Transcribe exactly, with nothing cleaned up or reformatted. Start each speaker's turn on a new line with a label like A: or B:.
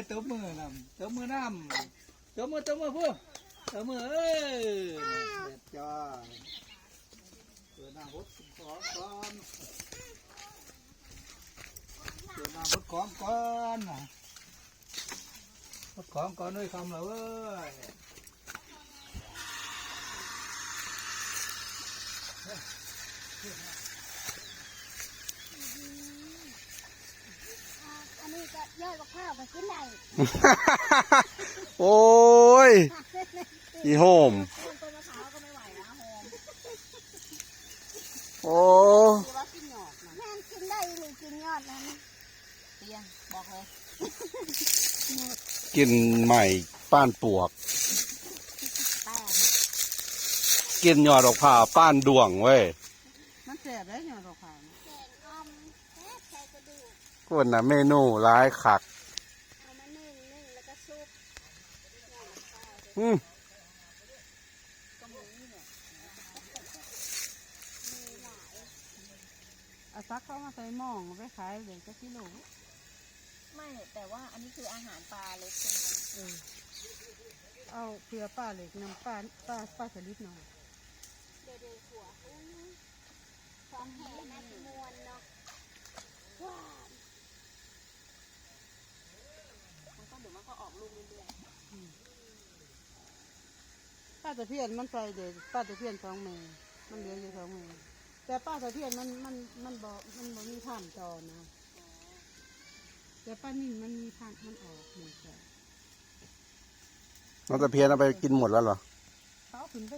A: ตบมือนำตบมือนำตบมือตบมือพูตบมือเอ้ยเด็ดจ้าเปิดหน้าพดของก่อนเปิดหน้าพดของก่อนพดของก่อนด้วยคำละเว้ย
B: อันนี้ก็ยอดมะพร้าวก็กินได้
C: โอ้ยอีโฮม
B: ต้นมะพร้าวก็ไม่ไหวนะโฮม
C: โอ้
B: คือว่ากินหยอดนะแม่กินได้หรือกินยอดนั้นเตียงบอกเลย
C: กินใหม่ป้านปวก
B: แป้ง
C: กินยอดดอกผ่าป้านดวงเว้ย
D: มันแสบได้หยอดดอกขาว
B: แกงอ่อมแซ่บใส่กระดูก
C: คนน่ะเมนูร้ายคัก
B: เอามานึ่งนึ่งแล้วก็ซุปยอดมะพร้าว
C: อืม
B: ก็มีเนี่ยมีหลาย
D: เอาซักเข้ามาใส่หม้อเอาไปขายเดี๋ยวจะกิโล
B: ไม่แต่ว่าอันนี้คืออาหารปลาเล็กใช่ไหม
D: เออเอาเกลือป้าเหล็กน้ำป้าป้าป้าสลิดหน่อย
B: เดี๋ยวเดี๋ยวหัวอุ้ยของแห่น่าจะมวนเนาะว้าวมันก็เดี๋ยวมันก็ออกลูกเรื่อย
D: ป้าตะเพียนมันใส่เดี๋ยวป้าตะเพียนสองเมตรมันเหลืออยู่สองเมตรแต่ป้าตะเพียนมันมันมันบ่มันบ่มีผ่านจอนะแต่ป้านิ่งมันมีผ่านมันออกหนึ่งแค่
C: น้องตะเพียนเอาไปกินหมดแล้วเหรอ
D: เขาขึ้นไป